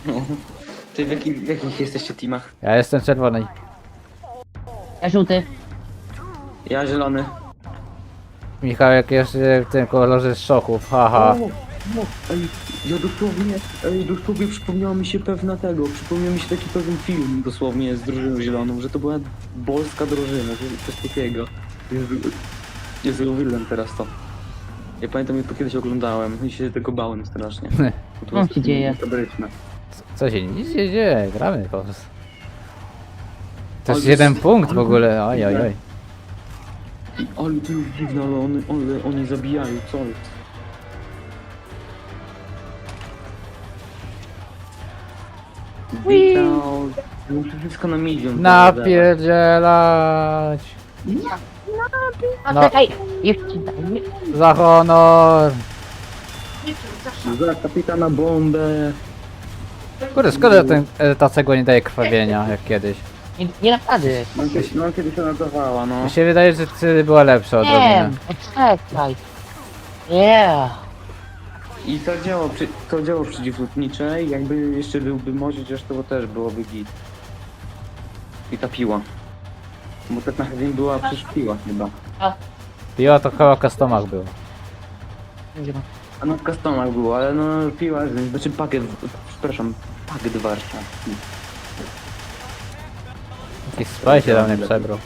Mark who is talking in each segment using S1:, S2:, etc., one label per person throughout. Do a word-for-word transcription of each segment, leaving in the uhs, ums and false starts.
S1: No. Ty w, jakich, w jakich jesteście teamach?
S2: Ja jestem czerwony.
S3: Ja żółty.
S1: Ja zielony.
S2: Michał, jak jeszcze w tym kolorze z szochów, haha.
S1: O, no, ej, ja dosłownie, ej, dosłownie przypomniało mi się pewna tego, przypomniał mi się taki pewien film dosłownie z drużyną zieloną, że to była polska drużyna, że coś takiego. Jezu, Jezu, uwielbiam teraz to. Ja pamiętam, jak to kiedyś oglądałem i się tego bałem strasznie. Bo to
S3: Co się dzieje?
S1: Fabryczne.
S2: Co się nic nie dzieje, gramy po prostu. To jest
S1: Ale
S2: jeden
S1: jest-
S2: punkt w
S1: ale-
S2: ogóle, oj oj oj.
S1: I, ale to jest dziwne, ale oni, ale oni zabijają, co jest? Witał, muszę wszystko na milion.
S2: Napierdzielać!
S3: A
S2: No.
S3: czekaj, jeszcze daj mi.
S2: Za honor!
S1: Za kapitana bombę.
S2: Kurde, szkoda, ten, e, ta cegła nie daje krwawienia, jak kiedyś.
S3: Nie, nie naprawdę.
S1: No, kiedyś- no kiedyś ona dawała, no.
S2: Mi się wydaje, że wtedy była lepsza
S3: Nie,
S2: odrobinę.
S3: poczekaj. Yeah.
S1: I to działo, przy, to działo przeciwlotnicze i jakby jeszcze byłby może, chociaż to też byłoby git. I ta piła. Bo tak na chwilę była przecież piła chyba.
S2: Piła to chyba w customach było.
S1: A no w customach było, ale no piła, znaczy pakiet, przepraszam, pakiet warszawski.
S2: Jakiś spaj się do mnie przebrał.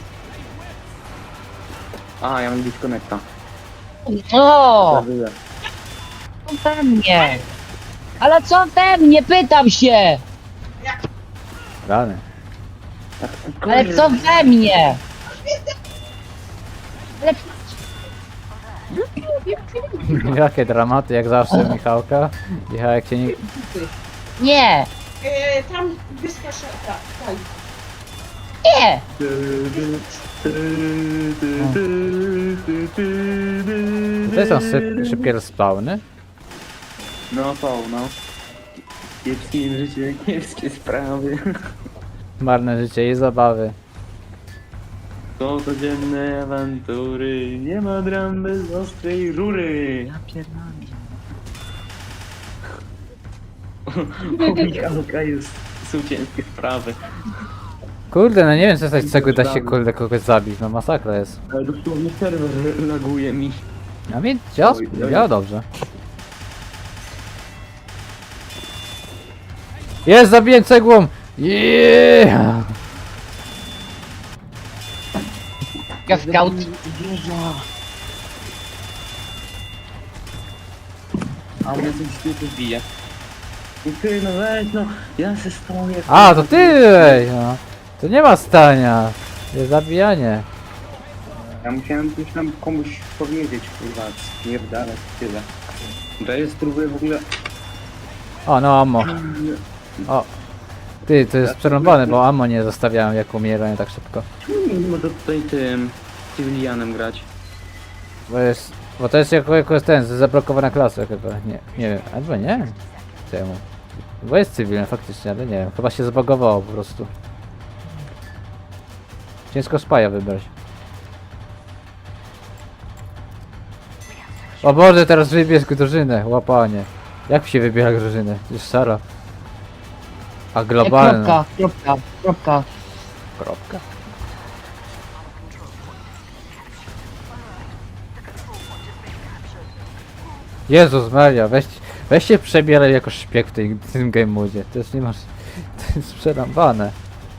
S1: A, ja mam disconnecta.
S3: O,
S1: Zawyję.
S3: co we mnie? Ale co we mnie? Pytam się!
S2: Rany.
S3: Ale co we mnie? Ale
S2: Jakie dramaty, jak zawsze Michałka. Michał, jak się nie...
S3: nie,
S4: E, tam wyska szata, tak.
S3: nie!
S2: To są syp, szybkie respawny?
S1: No to, no. Kiepskie życie, kiepskie sprawy.
S2: Marne życie i zabawy.
S1: To codzienne awantury, nie ma dram bez ostrej rury. Ja pierdolę. U Michałka jest, są ciężkie sprawy.
S2: Kurde, no nie wiem, co z tej cegły da się kurde kogoś zabić, no masakra jest.
S1: Ale dosłownie serwer laguje mi.
S2: A mi działa,
S1: Oj, oj.
S2: działa dobrze. Jest, zabiję cegłą! Yeah!
S3: Ja scout.
S1: A mnie coś tu bije. I ty, no weź, no, ja se stoję.
S2: A, to ty! Ej, no. To nie ma stania. Jest zabijanie.
S1: Ja musiałem coś tam komuś powiedzieć, kurwa, spierdalać, tyle. To jest, spróbuję w ogóle...
S2: O, no ammo. O. Ty, to jest przerąbane, bo ammo nie zostawiałem jak umierają tak szybko.
S1: Czemu nie można tutaj tym cywilianem grać?
S2: Bo jest... Bo to jest jako, jako ten, zablokowana klasa chyba. Nie, nie wiem, albo nie? Czemu? Bo jest cywilny faktycznie, ale nie wiem. Chyba się zbagowało po prostu. Ciężko spaja wybrać. O Boże, teraz wybierz drużynę, łapanie. Jak się wybiera drużynę? Już szara. A globalna.
S3: Kropka, kropka, kropka.
S2: Kropka. Jezus Maria, weź, weź się przebieraj jako szpieg w tej, w tym game modzie. To jest nie masz. To jest przerąbane.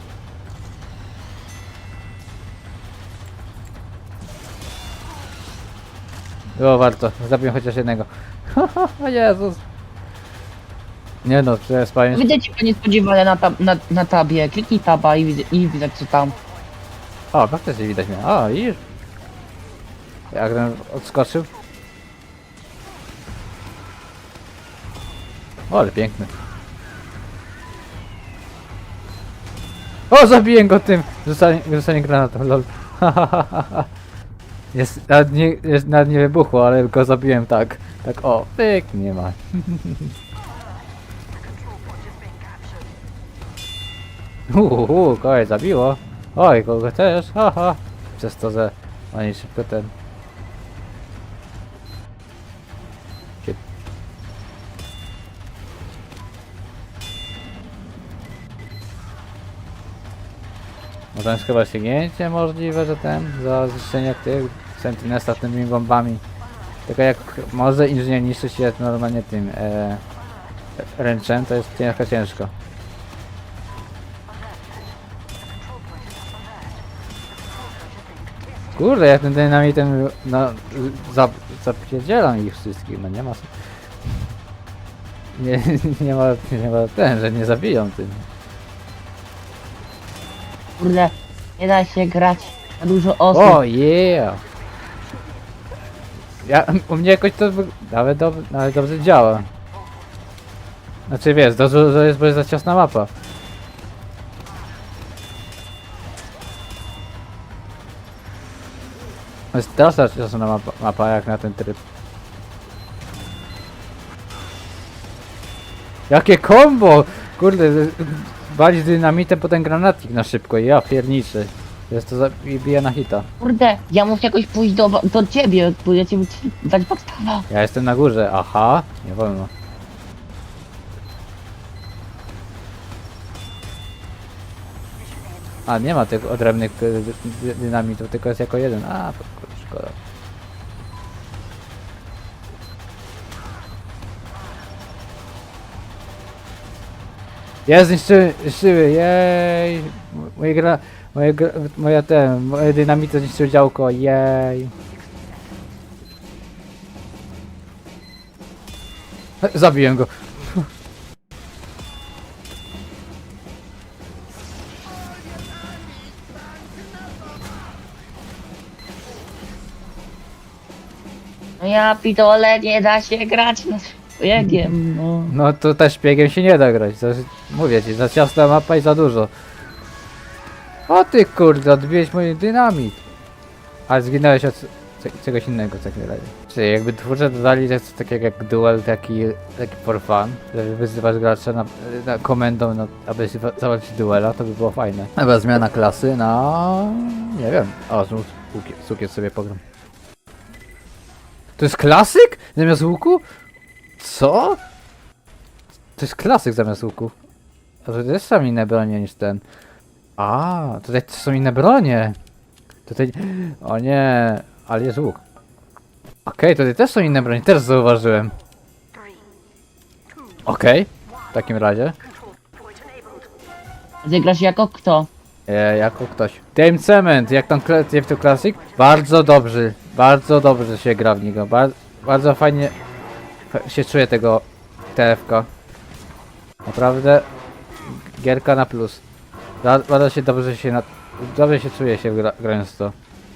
S2: Było warto, zabiję chociaż jednego. O Jezus. Nie no, przecież powiem.
S3: Widzę cię niespodziewane na, tab na, na tabie. Kliknij taba i, widzę- i widać co tam.
S2: O, faktycznie widać mnie. O, widzisz? Jak ten odskoczył? O, ale piękny. O, zabiję go tym! Rzucanie, rzucanie granatą, lol. Jest, nawet nie, jest, nawet nie wybuchło, ale go zabiłem tak. Tak, o, pyk, nie ma. Uuu, kogoś zabiło. Oj, kogo też, haha. Przez to, że oni szybko ten... Może jest chyba ściągnięcie możliwe, że ten, za zniszczenie tych Sentinela tymi bombami. Tylko jak może inżynier niszczyć je normalnie tym e, ręczem, to jest trochę ciężko. Kurde, jak ten dynamitem no, zap, zapierdzielam ich wszystkich, no nie ma... Nie, nie ma, nie ma ten, że nie zabiją tym.
S3: Kurde, nie da się grać na dużo osób.
S2: O, yeah! Ja, u mnie jakoś to wy- nawet, dob nawet dobrze działa. Znaczy wiesz, to, to jest, bo jest za ciasna mapa. To jest straszna ciasna mapa, mapa jak na ten tryb. Jakie combo! Kurde, walić dynamitem, potem granatnik na szybko, ja pierniczy. Jest to za... i bije na hita.
S3: Kurde, ja muszę jakoś pójść do, do ciebie, bo ja cię muszę dać podstawę.
S2: Ja jestem na górze, aha, nie wolno. A, nie ma tych odrębnych y, dy- dynamitów, tylko jest jako jeden. A, to kurde, szkoda. Ja zniszczyły, zniszczyły, jej! M- Moje gra, moje gra, moja ten, moje dynamity zniszczyły działko, jej! Zabiłem go.
S3: No ja pitole, nie da się grać na szpiegiem, no.
S2: No to też szpiegiem się nie da grać. To, mówię ci, za ciasna mapa i za dużo. O ty kurde, odbiłeś mój dynamit. Ale zginąłeś od c- czegoś innego w takim razie. Czyli jakby twórcy dodali coś takiego jak duel, taki, taki for fun, że wyzywasz gracza na, na komendą, na, aby się wa- zawalczyć duela, to by było fajne. Chyba zmiana klasy na... nie wiem. O, znów cukier sobie pogram. To jest klasyk? Zamiast łuku? Co? To jest klasyk zamiast łuku. A to też są inne bronie niż ten. A, tutaj też są inne bronie. Tutaj... O nie, ale jest łuk. Okej, tutaj też są inne bronie, też zauważyłem. Okej, w takim razie.
S3: Ty grasz jako kto?
S2: E, jako ktoś. Team Cement, jak tam kla- T F two Classic? Bardzo dobrze, bardzo dobrze się gra w niego. Bar bardzo fajnie fa- się czuje tego T F K. Naprawdę gierka na plus. Ba- Bardzo się dobrze się na... dobrze się czuje się gra grając w to.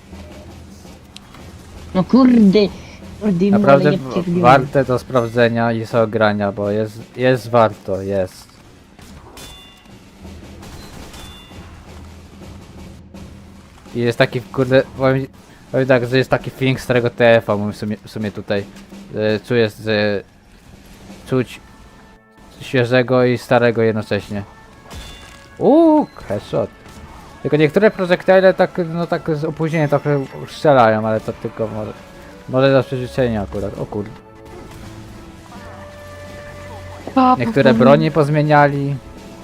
S3: No kurde, kurde, no,
S2: Naprawdę
S3: ale nie
S2: w-
S3: przegrywam.
S2: warte do sprawdzenia i sobie grania, bo jest, jest warto, jest. I jest taki, kurde, powiem, powiem tak, że jest taki feeling starego T F-a w sumie, w sumie tutaj. Że czuję, że czuć świeżego i starego jednocześnie. Uuu, headshot. Tylko niektóre projektile tak, no tak z opóźnieniem trochę strzelają, ale to tylko może, może do przeżyczenia akurat, o kurde. Niektóre broni pozmieniali.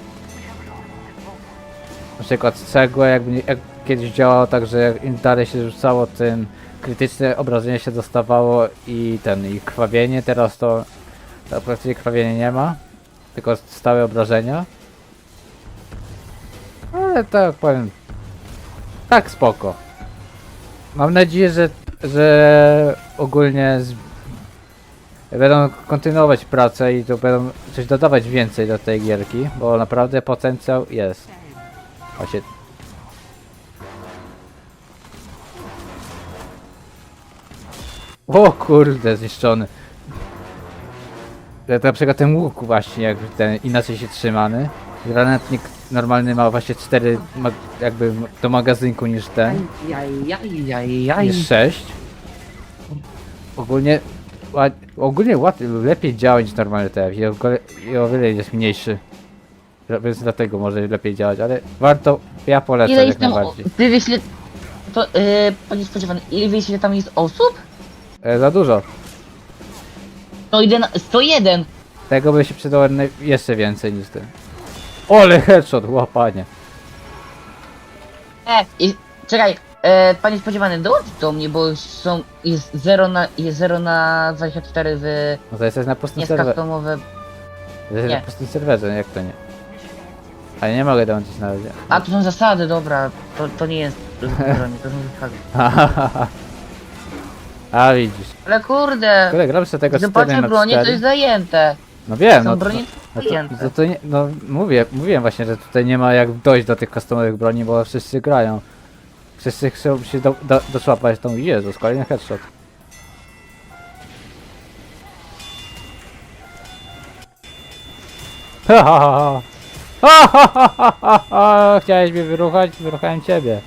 S2: Na przykład cegłę, jakby nie- jak kiedyś działało tak, że jak im dalej się rzucało, tym krytyczne obrażenie się dostawało i ten, i krwawienie, teraz to, to praktycznie krwawienie nie ma, tylko stałe obrażenia. Ale tak powiem, tak spoko. Mam nadzieję, że, że ogólnie z, będą kontynuować pracę i to będą coś dodawać więcej do tej gierki, bo naprawdę potencjał jest. Właśnie. O kurde, zniszczony. Ja na przykład ten łuk właśnie, jak ten inaczej się trzymany. Granatnik normalny ma właśnie cztery ma jakby do magazynku niż ten.
S3: Jaj, jaj, jaj, jaj.
S2: Niż sześć. Ogólnie ład, ogólnie łatwiej, lepiej działa niż normalny T F i o, gole- i o wiele jest mniejszy. Więc dlatego może lepiej działać, ale warto, ja polecam
S3: Ile
S2: jak
S3: jest tam,
S2: najbardziej.
S3: ty wiesz ile, to, yy, panie spodziewany, ile wiesz ile tam jest osób?
S2: E, za dużo.
S3: No jeden, sto jeden.
S2: Tego by się przydało naj- jeszcze więcej niż ten. Ole headshot, łapanie.
S3: E, i, czekaj, e, panie spodziewany, dołącz do mnie, bo są, jest zero na, jest zero na dwadzieścia cztery w,
S2: No to jesteś na pustym
S3: nie
S2: serwerze.
S3: customowe.
S2: Jesteś
S3: nie.
S2: na pustym serwerze, jak to nie? Ale nie mogę dołączyć na razie.
S3: A, tu są zasady, dobra, to, to nie jest, to, to są zasady.
S2: A widzisz.
S3: Ale kurde,
S2: Kurde, gram sobie tego cztery
S3: zobaczę
S2: na
S3: broni, to
S2: cztery.
S3: jest zajęte.
S2: No wiem,
S3: Są
S2: no.
S3: broni
S2: No to,
S3: zajęte.
S2: to, to nie, no mówię, mówiłem właśnie, że tutaj nie ma jak dojść do tych customowych broni, bo wszyscy grają. Wszyscy chcą się do, do, doszłapać tą Jezus, kolejny headshot. Ha ha ha ha ha ha ha ha ha. Chciałeś mnie wyruchać? Wyruchałem ciebie.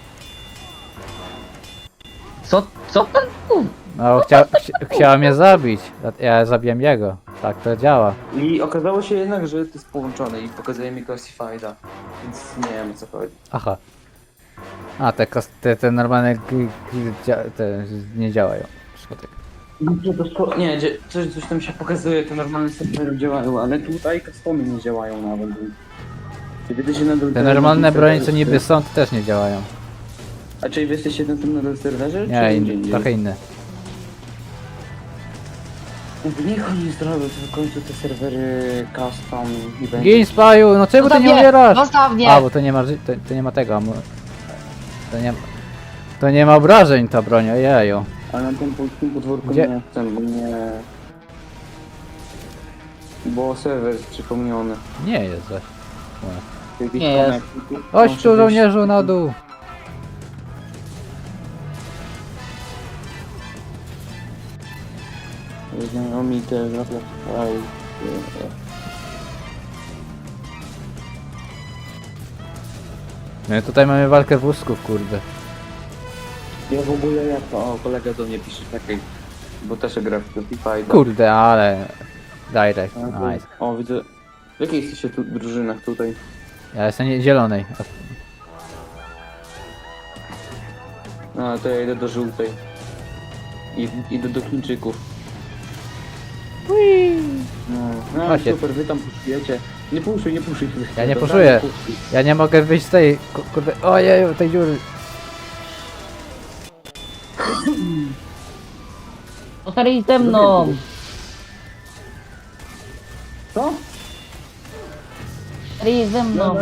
S3: Co, co pan mówi?
S2: No chcia, chcia, chciała mnie zabić, a ja zabiłem jego. Tak to działa.
S1: I okazało się jednak, że to jest połączone i pokazuje mi Classifieda. Więc nie wiem o co chodzi.
S2: Aha. A te, kos- te, te normalne g- g- dzia- te nie działają. Szkoda.
S1: Dobrze, to szko- nie, dzie- coś, coś tam się pokazuje, te normalne serwery działają, ale tutaj customy nie działają nawet. więc- Kiedy ty się nadal
S2: Te normalne bronie co niby są, to też nie działają.
S1: A czy wy jesteście na tym nadal serwerze?
S2: Nie,
S1: czy
S2: in,
S1: gdzie indziej?
S2: trochę inne.
S1: Niech oni zrobią w końcu te serwery custom i będzie.
S2: Gin Spaju, no czemu ty
S3: Zostaw
S2: nie
S3: mnie,
S2: umierasz?
S3: zostaw mnie!
S2: A, bo to nie ma, ży- to, to nie ma tego. mu- To nie, to nie ma obrażeń ta broń, ojeju.
S1: A na tym polskim podwórku
S2: Gdzie?
S1: nie chcę, bo nie... Bo serwer jest przypomniony.
S2: Nie jest zaś.
S1: Jakiś
S3: Nie jest.
S1: connect-
S2: Chodź
S1: muszę
S2: tu
S1: wyjść-
S2: żołnierzu na dół.
S1: Znamienite, naprawdę. Aj, e,
S2: No i tutaj mamy walkę wózków, kurde.
S1: Ja w ogóle jak to, o kolega do mnie pisze takiej, bo też gra w Spotify.
S2: Kurde, ale... Direct, nice.
S1: O, widzę. W jakiej jesteście tu drużynach tutaj?
S2: Ja jestem nie- zielonej.
S1: A, to ja idę do żółtej. I, idę do Chińczyków. No, no
S2: Właśnie.
S1: super, wy tam puszujecie. Nie puszuj, nie puszuj.
S2: Ja nie
S1: Dobra,
S2: puszuję.
S1: puszuj.
S2: Ja nie mogę wyjść z tej, ku- kurde, ojeju, tej dziury.
S3: Zostali ze mną!
S1: Co?
S3: Zostali ze mną!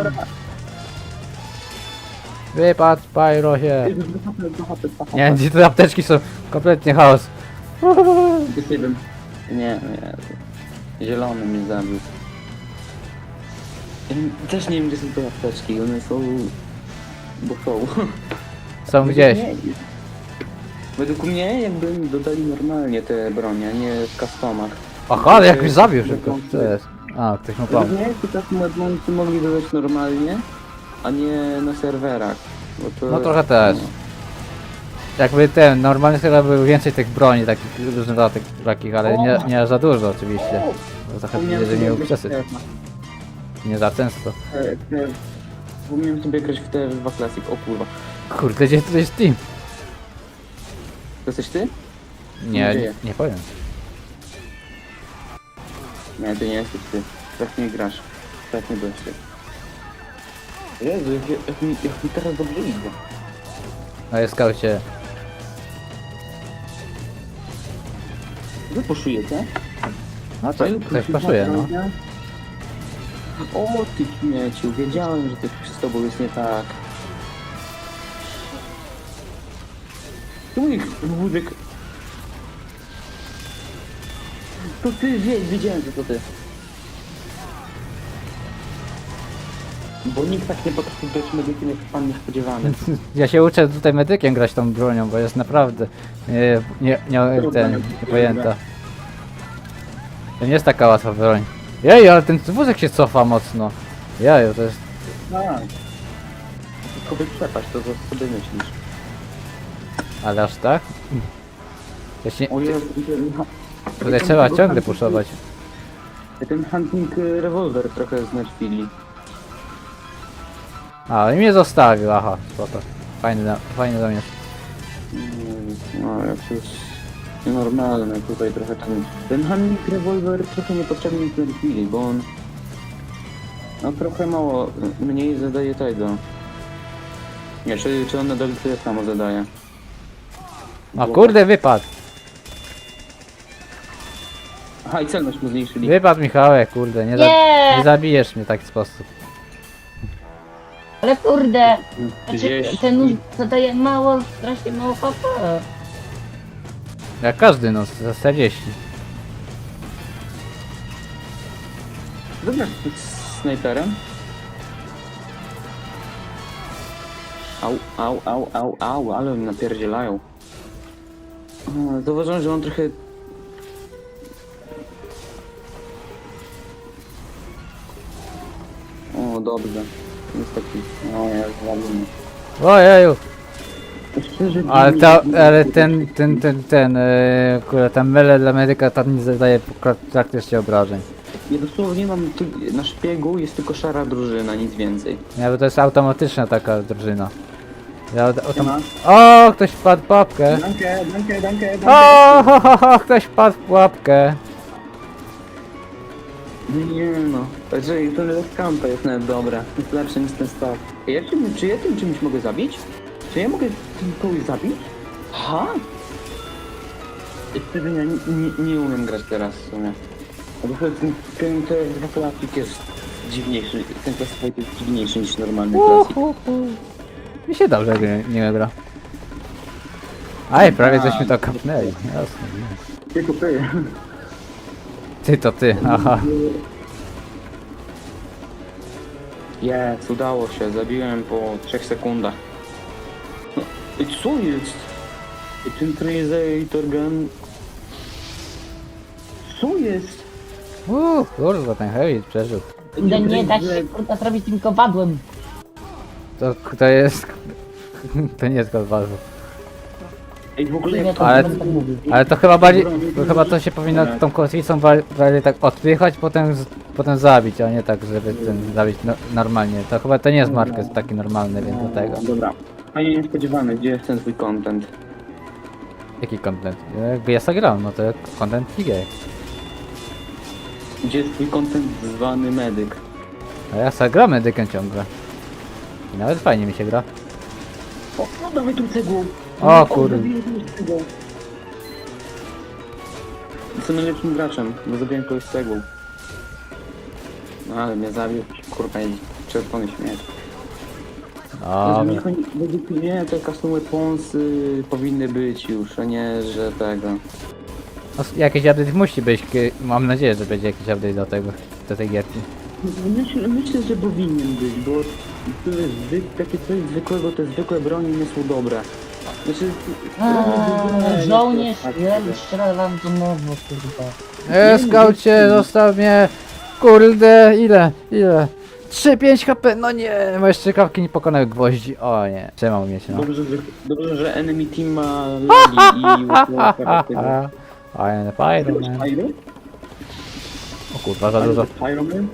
S2: Wypadł, Spyro się.
S1: Ej, dwa H P, dwa H P, dwa H P.
S2: Nie, gdzie te apteczki są kompletnie chaos.
S1: Jest jeden. Nie, nie. Zielony mnie zabił. Ja nie- też nie wiem, gdzie są te apteczki. One są... Bo są.
S2: Są gdzieś.
S1: Nie, według mnie jakby im dodali normalnie te bronie, a nie w customach.
S2: Aha, jak już zabił szybko. Co jest? A, ktoś mu pomógł.
S1: Według mnie to tak modmoncy mogli dodać normalnie, a nie na serwerach. Bo to,
S2: No trochę też. Jakby ten, normalny chyba był więcej tych broni, takich różnych takich, takich ale nie, nie za dużo oczywiście. Bo trochę
S1: Wspomniałem
S2: widzę, że nie
S1: sobie
S2: był
S1: grać
S2: przesyt.
S1: w
S2: Nie za często.
S1: te- te- Wspomniałem sobie grać w T F dwa Classic, o kurwa.
S2: Kurde, gdzie tu jest team?
S1: To jesteś ty?
S2: Nie,
S1: Gdzie
S2: nie,
S1: jest?
S2: nie powiem.
S1: Nie, to nie jesteś ty. Tak nie grasz. Tak nie byłeś ty. Jezu, jak, jak, mi, jak mi teraz dobrze idzie.
S2: No jest skaucie.
S1: Wy poszujecie?
S2: No to ktoś paszuje, no.
S1: O ty śmieciu, wiedziałem, że coś z tobą jest nie tak. Tu ich wózek. To ty, wie, wiedziałem, że to ty. Bo nikt tak nie potrafi grać medykiem jak pan niespodziewany.
S2: Ja się uczę tutaj medykiem grać tą bronią, bo jest naprawdę nie, nie, nie, ten, niepojęta. To nie jest taka łatwa broń. Jej, ale ten wózek się cofa mocno. Jeju, to jest...
S1: Tak. Tylko by przepaść, to co sobie myślisz.
S2: Ale aż tak? Ja się,
S1: O Jezu, ten...
S2: tutaj trzeba ciągle puszować.
S1: Ten hunting y, rewolwer trochę znerfili.
S2: A, i mnie zostawił, aha, spoko. Fajny, na- fajny zamiast.
S1: Mm, No, jak to jest normalne tutaj trochę ten... Ten hunting rewolwer trochę niepotrzebnie znerfili, bo on... No trochę mało, y, mniej zadaje tego. Nie, czy, czy on nadal tyle samo zadaje?
S2: O kurde, wypadł.
S1: Aha, i celność mu zmniejszyli.
S2: Wypadł Michałek, kurde, nie, za,
S3: Nie!
S2: nie zabijesz mnie w taki sposób.
S3: Ale kurde, znaczy,
S1: trzydzieści.
S3: ten nóż zadaje mało, strasznie mało H P.
S2: Jak każdy, no, za czterdzieści.
S1: Dobra, z snajperem. Au, au, au, au, au, ale mi napierdzielają. O, Zauważyłem, że on trochę... O, dobrze. Jest taki... O, ja zwalimy.
S2: Ojeju,
S1: Szczerze,
S2: ale,
S1: nie-
S2: ta, ale ten, ten, ten, ten, yy, kurde, ten mele dla medyka tam nie zadaje pra- praktycznie obrażeń.
S1: Ja dosłownie mam... Tu, na szpiegu jest tylko szara drużyna, nic więcej.
S2: Nie, bo to jest automatyczna taka drużyna. Ja, o, tam,
S1: Siema.
S2: o, ktoś wpadł w pułapkę.
S1: Danke, danke, danke, danke.
S2: O, ho, ho, ho, ktoś wpadł w pułapkę.
S1: Nie no, także to nawet kampa jest nawet dobra. Jest lepsze niż ten staw. Ja czym, czy ja tym czymś mogę zabić? Czy ja mogę tym kogoś zabić? Ha? Wtedy ja nie, nie, nie umiem grać teraz w sumie. A bo ten, ten, ten dwa klasik jest dziwniejszy, ten klasyfikator jest dziwniejszy niż normalny klasik.
S2: Uhuhu. Mi się dobrze nie, nie gra. Aj, prawie żeśmy to kapnęli. Jasne.
S1: Tylko ty.
S2: Ty to ty, aha.
S1: Jest, udało się, zabiłem po trzech sekundach. No, i co jest? I ten Tracer Gun... Co jest?
S2: Uuu, kurwa, ten heavy przeżył.
S3: Kurde, nie da się kurwa zrobić tym kowadłem.
S2: To, to jest... To nie jest kowadło.
S1: Ej, w ogóle
S3: Nie,
S1: jak
S3: to
S2: Ale-
S3: nie będę tak mówił.
S2: Ale to chyba bardziej... To chyba to się powinno tą kotwicą wa- bardziej tak odpychać, potem, z- potem zabić, a nie tak, żeby ten zabić no, normalnie. To chyba to nie jest market taki normalny, więc do tego.
S1: Dobra. Panie niespodziewany, gdzie jest ten twój content?
S2: Jaki content? Jakby ja zagrałem, no to content gay.
S1: Gdzie jest twój content zwany medyk?
S2: A ja zagram medykiem ciągle. I nawet fajnie mi się gra.
S1: O, no dawaj tą cegłą.
S2: O, kurde.
S1: zabiję tą cegłą. Jestem najlepszym graczem, bo zabiłem kogoś cegłą. No ale mnie zabił, kurwa i czerwony śmiech.
S2: Dobra.
S1: Według mnie te custom weaponsy powinny być już, a nie, że tego.
S2: No, jakiś update musi być, kie- mam nadzieję, że będzie jakiś update do tego, do tej gierki.
S1: Myślę, myślę, że powinien być, bo to jest zwy, takie coś zwykłego, te zwykłe broni nie są dobre. Znaczy...
S3: Eee, Żołnierz, ja strzela wam do nowo, kurwa.
S2: E, skaucie, zostaw mnie! Kurde, ile, ile? trzy pięć H P, no nie, moje strzykawki nie pokonały gwoździ, o nie. Trzymał mnie się, no.
S1: Dobrze, że, dobrze, że enemy team ma lagi i...
S2: Haha, fajne, fajne, man.
S1: Pyro?
S2: O kurwa, za dużo.
S1: Pyro man?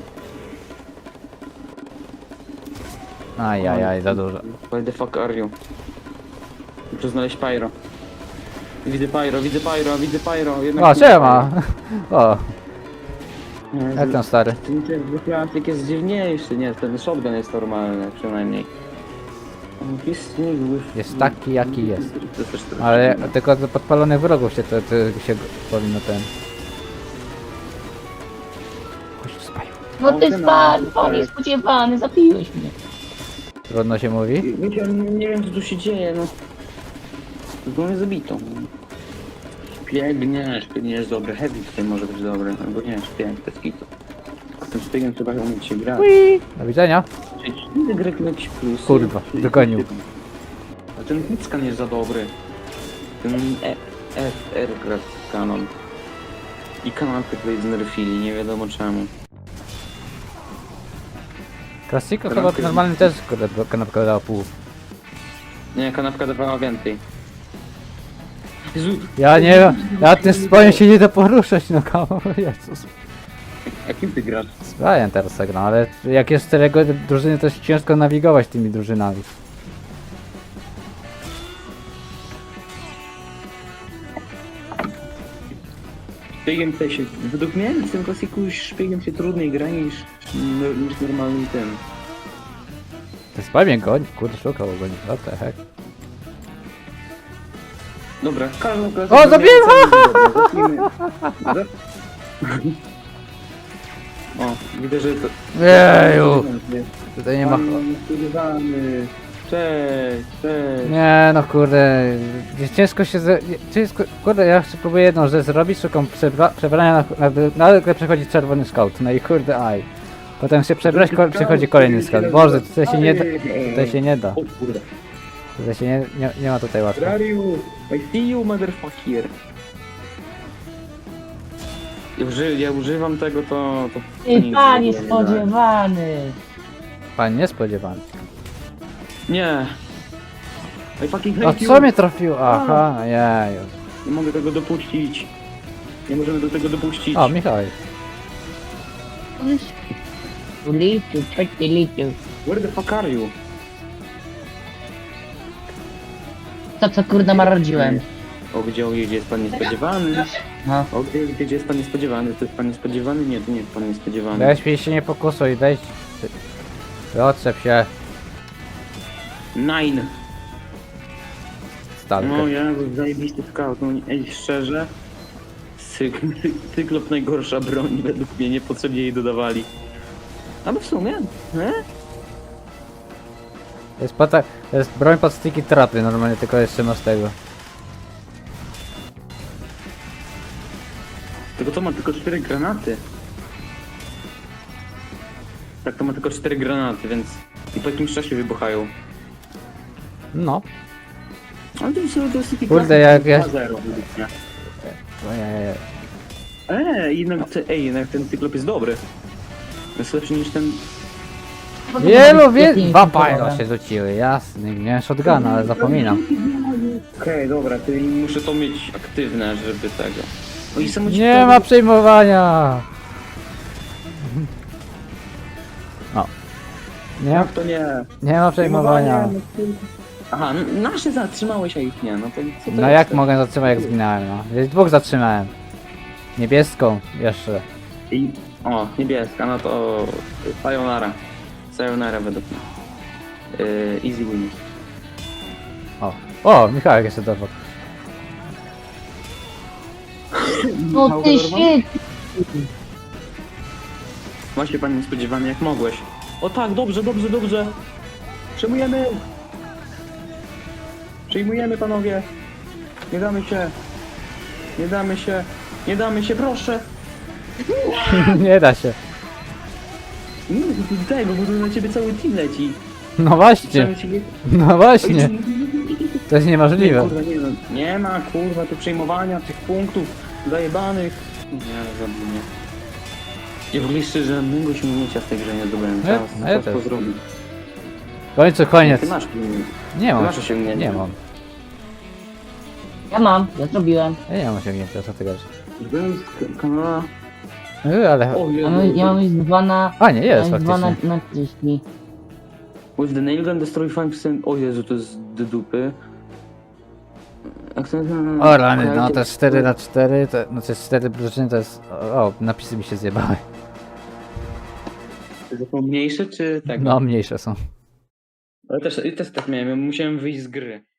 S2: Ajajaj, za dużo.
S1: Why the fuck are you? Muszę znaleźć Pyro. Widzę Pyro, widzę Pyro, widzę Pyro. Jednak
S2: O,
S1: nie
S2: siema! O,
S1: Pyro.
S2: jak tam stary?
S1: Ten ten klasyk jest dziwniejszy, nie? Ten shotgun jest normalny przynajmniej. On jest niezły.
S2: Jest taki, jaki jest.
S1: To jest też trochę-
S2: Ale tylko do podpalonych wrogów się to, to się powinno ten... Kość spaju.
S3: No ty spadł, pan niespodziewany, zabiłeś mnie.
S2: Trudno się mówi?
S1: Wiecie, nie, nie wiem co tu się dzieje, no. Tylko mnie zabito. Szpieg, nie, szpieg nie jest dobry. Heavy tutaj może być dobry, albo nie, szpieg, bez kitu. Z tym szpiegiem trzeba umieć się grać.
S2: Ui, do widzenia.
S1: Czyli czy grę ma jakiś plus?
S2: Kurwa, dogonił.
S1: A ten hitscan jest za dobry. Ten e F R gra kanon. I kanapy tutaj znerfili, nie wiadomo czemu.
S2: Klasiko chyba normalny też kurde, kanapka dała pół.
S1: Nie, kanapka dawała więcej. Jezu,
S2: Ja nie, ja tym spojem się nie da poruszać, no kawał, Jezus.
S1: jakim ty grasz?
S2: Sprawiam teraz tak, no ale jak jest czterego drużyny, to jest ciężko nawigować tymi drużynami.
S1: Szpiegiem tutaj się, według mnie w tym klasiku szpiegiem się trudniej gra niż, niż normalnym tym.
S2: Ten spaj mnie goni, kurde, szukał go, what the heck.
S1: Dobra, każdą klasę...
S2: O, zabiłem!
S1: O, widzę, że to...
S2: Jeju! Tutaj nie ma...
S1: Pan spodziewany. Cześć, cześć.
S2: Nie no kurde, ciężko się ze... ciężko... Kurde, ja chcę próbuję jedną rzecz zrobić, szukam przebra... przebrania na... na... nagle przechodzi czerwony scout, no i kurde aj. Potem się przebrać, ko... przychodzi kolejny scout. Boże, tutaj się nie da... Tutaj się nie da.
S1: O kurde.
S2: Tutaj się nie, nie, nie ma tutaj łatwo.
S1: Where are you? I see you, motherfucker. Ja, uży... ja używam tego, to... to... to
S3: Ty
S1: nic
S3: panie
S1: w ogóle nie daje.
S3: spodziewany.
S2: Pan niespodziewany.
S1: Nie. I fucking
S2: A
S1: hate you.
S2: co mnie trafiło? Aha, jeju.
S1: Nie mogę tego dopuścić. Nie możemy do tego dopuścić.
S2: O, Michał.
S3: Litu, petty litu.
S1: Where the fuck are you?
S3: To co kurde marodziłem.
S1: O, gdzie, o, gdzie jest pan niespodziewany?
S3: No.
S1: O, gdzie, gdzie jest pan niespodziewany? To jest pan niespodziewany? Nie, to nie jest pan niespodziewany.
S2: Weź mi się nie pokusuj, weź. Otrzep się,
S1: Nine.
S2: stalkę.
S1: No ja, zajebisty scout. No, ej, szczerze. Cyk, cyklop najgorsza broń, według mnie niepotrzebnie jej dodawali. Ale w sumie, nie?
S2: To jest, pata... to jest broń pod sticky trapy, normalnie tylko jeszcze masz tego.
S1: Tylko to ma tylko cztery granaty. Tak, to ma tylko cztery granaty, więc i po jakimś czasie wybuchają.
S2: No.
S1: Ale to jest to jest taki
S2: Kurde, jak ja-
S1: dwa zero według mnie.
S2: Ojej.
S1: Eee, jednak, te, ej, jednak ten cyklop jest dobry. Jest lepszy niż ten...
S2: Wielu, wielu. Dwa pajno się rzuciły, jasny. Miałem shotguna, ale zapominam.
S1: Okej, dobra, to muszę to mieć aktywne, żeby tego... O, i samo ci
S2: Nie
S1: powiem-
S2: ma przejmowania! O. Nie,
S1: Jak to nie?
S2: nie ma przejmowania.
S1: Aha, n- nasze zatrzymałeś, a ich nie, no to co to
S2: No
S1: jest?
S2: jak mogę zatrzymać, jak zginąłem, no. Jest dwóch zatrzymałem. Niebieską jeszcze.
S1: I... O, niebieska, no to... Sayonara. Sayonara według mnie. Yy, easy win.
S2: O. O, Michałek jeszcze doszedł.
S3: No ty shit.
S1: Właśnie pan niespodziewany, jak mogłeś. O tak, dobrze, dobrze, dobrze. Przejmujemy. Przejmujemy, panowie. Nie damy się. Nie damy się. Nie damy się, proszę.
S2: Nie da się.
S1: Nie, do tego, bo tu na ciebie cały team leci.
S2: No właśnie.
S1: Cały ciebie...
S2: No właśnie. To jest
S1: Nie,
S2: niemożliwe.
S1: kurwa, nie, no, nie ma, kurwa, tu przejmowania tych punktów zajebanych. Nie, zabij mnie. Ja w ogóle szczerze żadnego osiągnięcia w tej grze nie zdobyłem.
S2: Ja-
S1: Czas,
S2: a ja
S1: czas to
S2: też.
S1: zrobić.
S2: W końcu koniec.
S1: Ty masz osiągnięcie.
S2: Nie
S1: Ty
S2: mam.
S1: masz osiągnięcie.
S2: Nie mam.
S3: Ja mam, ja zrobiłem.
S2: Ja nie mam osiągnięcia, co ty gadasz?
S1: Byłem z kanała.
S2: Yy, ale...
S1: O,
S3: Ja mam, ja mam już dwa na...
S2: A nie, jest
S3: ja mam dwa na,
S2: faktycznie.
S3: na trzydzieści.
S1: With the nail gun destroy five percent. O Jezu, to jest do dupy. Jak to
S2: O rany, no to jest cztery na cztery, to, no to jest cztery drużyny, to jest... O, napisy mi się zjebały.
S1: To są mniejsze czy tego?
S2: No, mniejsze są.
S1: Ale też, też tak miałem, ja musiałem wyjść z gry.